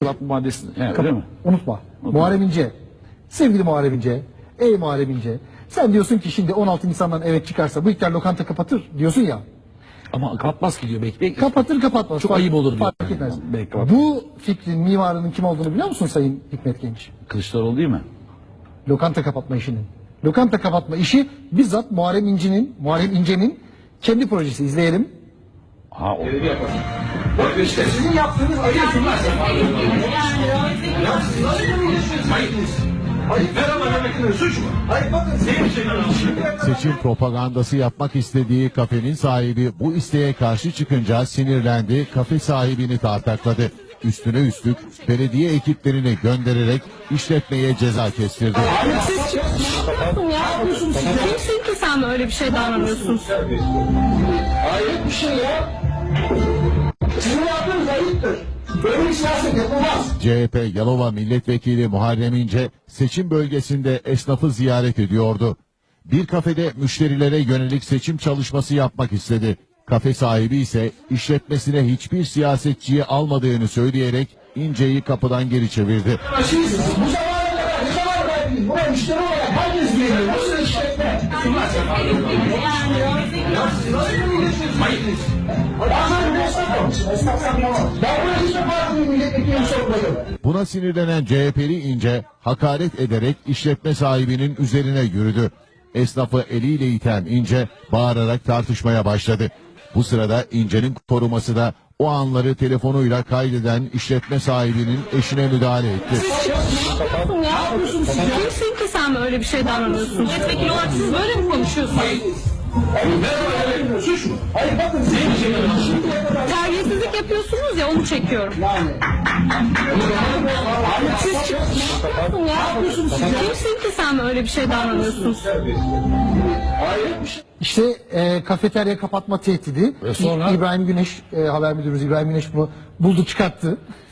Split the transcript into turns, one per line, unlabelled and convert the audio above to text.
kapatma maddesini. Öyle mi?
Unutma. Muharrem İnce. Sevgili Muharrem İnce. Ey Muharrem İnce. Sen diyorsun ki şimdi 16 Nisan'dan evet çıkarsa bu iktidar lokanta kapatır diyorsun ya.
Ama kapatmaz ki diyor. Belki.
Kapatır kapatmaz.
Çok ayıp olur diyor.
Fark etmez.
Belki kapatır.
Bu fikrin mimarının kim olduğunu biliyor musun Sayın Hikmet Genç?
Kılıçdaroğlu değil mi?
Lokanta kapatma işinin. Lokanta kapatma işi bizzat Muharrem İnce'nin kendi projesi. İzleyelim.
Ha o.
Bakın işte sizin yaptığınız ayıpsınlar. Ayıp merhaba demektir suç mu? Hayır bakın
Seçim propagandası yapmak istediği kafenin sahibi bu isteğe karşı çıkınca sinirlendi, kafe sahibini tartakladı. Üstüne üstlük belediye ekiplerini göndererek işletmeye ceza kestirdi.
Siz çıkıyorsun ya. Kimsin ki sen öyle bir şey davranıyorsunuz?
ayıp bir şey ya. Sizin yaptığınız ayıptır. Böyle bir siyaset yapılmaz.
CHP Yalova Milletvekili Muharrem İnce seçim bölgesinde esnafı ziyaret ediyordu. Bir kafede müşterilere yönelik seçim çalışması yapmak istedi. Kafe sahibi ise işletmesine hiçbir siyasetçiyi almadığını söyleyerek İnce'yi kapıdan geri çevirdi.
Siz bu zamana kadar ne kadar verdiniz? Buraya müşteri olarak herkes geliyor. Nasıl işletme? Bazen bir esnaf olmuş. Esnaf sanmamaz. Ben buraya hiçbir partinin milletvekilini sokmadım.
Buna sinirlenen CHP'li İnce hakaret ederek işletme sahibinin üzerine yürüdü. Esnafı eliyle iten İnce bağırarak tartışmaya başladı. Bu sırada İnce'nin koruması da o anları telefonuyla kaydeden işletme sahibinin eşine müdahale etti.
Çıkıyorsun ya. Kimsin ki sen öyle bir şey davranıyorsun? Milletvekili olarak siz böyle mi konuşuyorsunuz?
Merhaba demektir suç mu? Hayır bakın şimdiye kadar
Terbiyesizlik yapıyorsunuz ya onu çekiyorum. Siz çıkıyorsun ya. Kimsin ki sen öyle bir şey davranıyorsunuz?
İşte kafeterya kapatma tehdidi.
Ve sonra?
İbrahim Güneş, haber müdürümüz İbrahim Güneş bunu buldu çıkarttı.